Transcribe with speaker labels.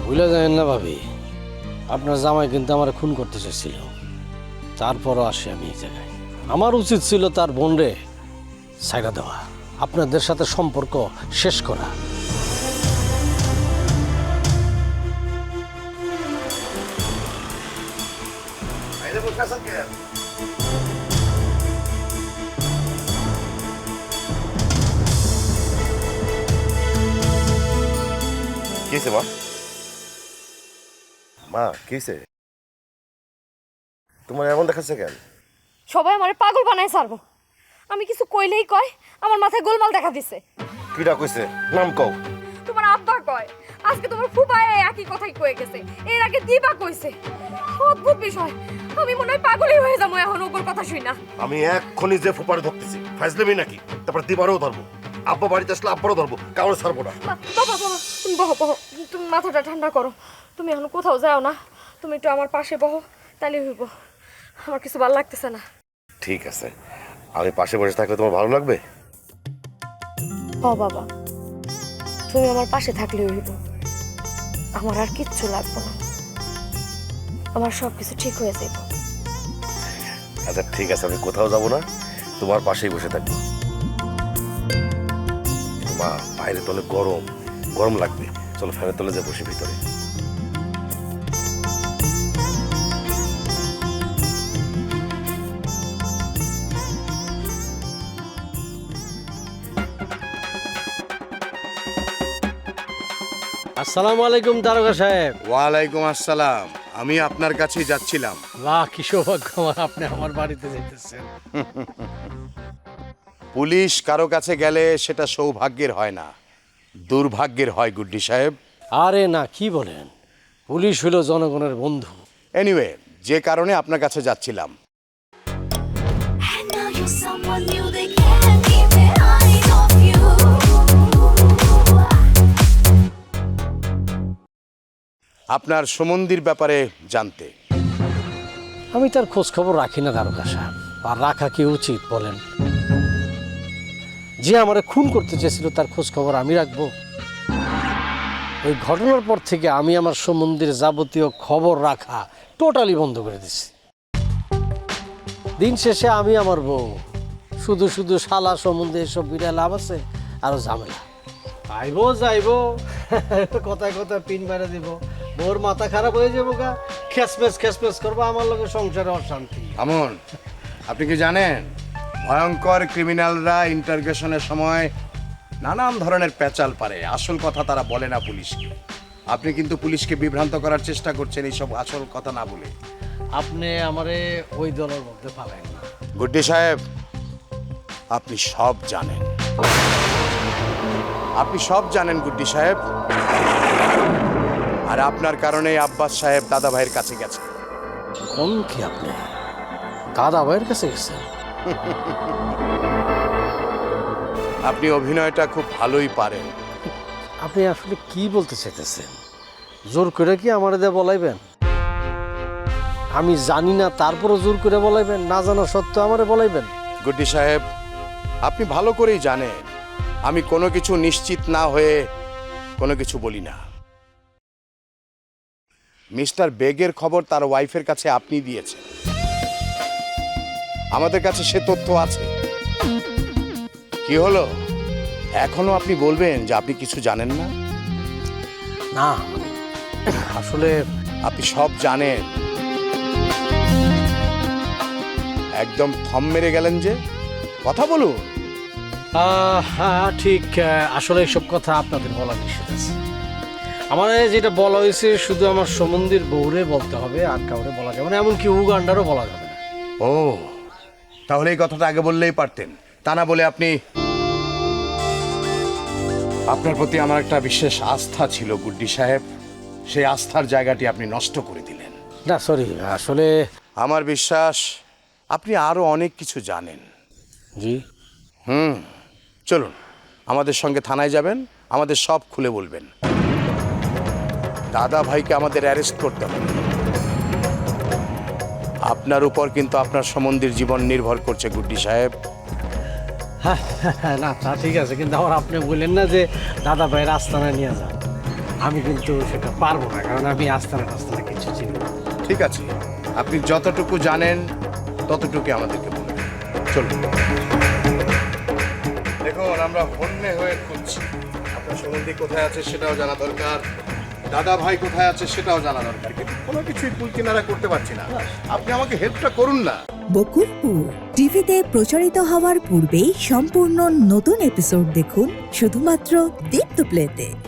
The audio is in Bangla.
Speaker 1: ভুলে যাবেন না ভাবি, আপনার জামাই কিন্তু আমার খুন করতে চাইছিল, তারপরও আসি আমি এই জায়গায়। আমার উচিত ছিল তার বোনরে ছাইড়া দেওয়া, আপনাদের সাথে সম্পর্ক শেষ করা।
Speaker 2: কিসে মা? মা কিসে? তোমার এমন দেখাচ্ছে কেন?
Speaker 3: সবাই আমারে পাগল বানায় ছাড়বো। আমি কিছু কইলেই কয় আমার মাথায় গোলমাল দেখা দিছে।
Speaker 2: কিটা কইছে? নাম কও।
Speaker 3: তোমার আব্বা কয়, আজকে তোমার ফুফায় একই কথাই কয়ে গেছে, এর আগে দিবা কইছে। অদ্ভুত বিষয়, আমি মনে হয় পাগলই হয়ে যাবো এখন ওর কথা শুই না।
Speaker 2: আমি এক্ষুনি যে ফুপারে ধরতেছি, ফাইজলামি নাকি? তারপর দিবারও ধরবো, আব্বা বাড়িতে আসলে আব্বারও ধরবো, কারো ছাড়বো না।
Speaker 3: বাবা বাবা, তুমি বহো বহো, তুমি মাথাটা ঠান্ডা করো। তুমি এখন কোথাও যাও না, তুমি একটু আমার পাশে বহো, তাহলে হইব। আমার কিছু ভালো লাগতেছে না।
Speaker 2: ঠিক আছে, আমি পাশে বসে থাকলে তোমার ভালো লাগবে?
Speaker 3: ও বাবা, তুমি আমার পাশে থাকলে হইব, আমার আর কিচ্ছু লাগবে না, আমার সব কিছু ঠিক হয়ে যাবে।
Speaker 2: আচ্ছা ঠিক আছে, আমি কোথাও যাব না, তোমার পাশেই বসে থাকবো। মা, বাইরে তো অনেক গরম, গরম লাগবে, চলো ফ্যানের তলে যে বসে ভিতরে।
Speaker 1: আসসালামু আলাইকুম দারোগা সাহেব।
Speaker 4: ওয়ালাইকুম আসসালাম। আমি আপনার কাছেই যাচ্ছিলাম।
Speaker 1: বাহ, কি সৌভাগ্য আমার, আপনি আমার বাড়িতে যেতেছেন।
Speaker 4: পুলিশ কারো কাছে গেলে সেটা সৌভাগ্যের হয় না, দুর্ভাগ্যের হয় গুড্ডি সাহেব।
Speaker 1: আরে না, কি বলেন, পুলিশ হলো জনগণের বন্ধু।
Speaker 4: এনিওয়ে, যে কারণে আপনার কাছে যাচ্ছিলাম,
Speaker 5: And now you're someone new, they can't keep their eyes off you.
Speaker 4: আপনার সুমন্দির ব্যাপারে জানতে।
Speaker 1: আমি তার খোঁজ খবর রাখি না দারোগা সাহেব, আর রাখা কি উচিত বলেন? যে আমারে খুন করতে চেয়েছিল তার খোঁজ খবর আমি রাখবো? ওই ঘটনার পর থেকে আমি আমার সম্বন্ধের যাবতীয় খবর রাখা টোটালি বন্ধ করে দিছি। দিন শেষে আমি আমার বউ, শুধু শুধু শালা সম্বন্ধে এসব বিড়া লাভ আছে, আরো ঝামেলা। আইবো যাইবো, কথায় কথায় পিন মেরে দিব, বউর মাথা খারাপ হয়ে যাবো গা, খেসমেস করবো, আমার লোকের সংসারে অশান্তি।
Speaker 4: আমন, আপনি কি জানেন ভয়ঙ্কর ক্রিমিনালরা ইন্টারগেশনের সময় নানান ধরনের পেঁচাল পারে, আসল কথা তারা বলে না পুলিশকে। আপনি কিন্তু পুলিশকে বিভ্রান্ত করার চেষ্টা করছেন এইসব আসল কথা না বলে।
Speaker 1: আপনি আমারে ওই দলের মধ্যে পাবেন না।
Speaker 4: গুড্ডি সাহেব, আপনি সব জানেন, আপনি সব জানেন গুড্ডি সাহেব। আর আপনার কারণে আব্বাস সাহেব দাদা ভাইয়ের কাছে গেছে।
Speaker 1: কোন কি আপনি দাদা ভাইয়ের কাছে গেছেন?
Speaker 4: আপনি অভিনয়টা খুব ভালোই পারেন।
Speaker 1: আপনি আসলে কি বলতে চাইতেছেন? জোর করে কি আমার দিয়ে বলাইবেন? আমি জানি না তারপরও জোর করে বলাইবেন? না জানা সত্ত্বেও আমারে বলাইবেন?
Speaker 4: গুড্ডি সাহেব, আপনি ভালো করেই জানেন আমি কোনো কিছু নিশ্চিত না হয়ে কোনো কিছু বলি না। মিস্টার বেগের খবর তার ওয়াইফের কাছে আপনি দিয়েছেন, আমাদের কাছে সে তথ্য আছে। কি হলো, এখনো আপনি বলবেন যে আপনি কিছু জানেন না?
Speaker 1: না, আসলে
Speaker 4: আপনি সব জানেন। একদম থম মেরে গেলেন যে, কথা বলুন।
Speaker 1: হ্যাঁ ঠিক, আসলে এসব কথা আপনাদের বলা নিষেধ আছে। আমার যেটা বলা হয়েছে শুধু আমার সম্বন্ধীর বউরে বলতে হবে, আর কাউরে বলা যাবে না, এমনকি উগান্ডারও বলা যাবে না।
Speaker 4: ও, তাহলে এই কথাটা আগে বললেই পারতেন, তা না বলে আপনি। আপনার প্রতি আমার একটা বিশেষ আস্থা ছিল গুড্ডি সাহেব, সেই আস্থার জায়গাটি আপনি নষ্ট করে দিলেন।
Speaker 1: না সরি, আসলে
Speaker 4: আমার বিশ্বাস আপনি আরো অনেক কিছু জানেন।
Speaker 1: জি,
Speaker 4: চলুন আমাদের সঙ্গে থানায় যাবেন, আমাদের সব খুলে বলবেন। দাদা ভাইকে আমাদের অ্যারেস্ট করতে হবে। আপনার উপর কিন্তু আপনার সম্বন্ধীর জীবন নির্ভর করছে গুড্ডি সাহেব।
Speaker 1: না তা ঠিক আছে, কিন্তু আবার আপনি বললেন না যে দাদা ভাইয়ের আস্তানায় নিয়ে যান। আমি কিন্তু সেটা পারবো না, কারণ আমি আস্তানা টাস্তানা কিছু চিনি না।
Speaker 4: ঠিক আছে, আপনি যতটুকু জানেন ততটুকু আমাদেরকে বলুন। চলুন। দেখুন, আমরা হন্যে হয়ে খুঁজছি। আপনার সম্বন্ধী কোথায় আছে সেটাও জানা দরকার, দাদা ভাই কোথায় আছে সেটাও জানা দরকার, কিন্তু কোনো কিছুই কুল কিনারা করতে পারছি না। আপনি আমাকে হেল্পটা করুন না।
Speaker 6: বকুলপুর টিভিতে প্রচারিত হওয়ার পূর্বেই সম্পূর্ণ নতুন এপিসোড দেখুন শুধুমাত্র দীপ্ত প্লেতে।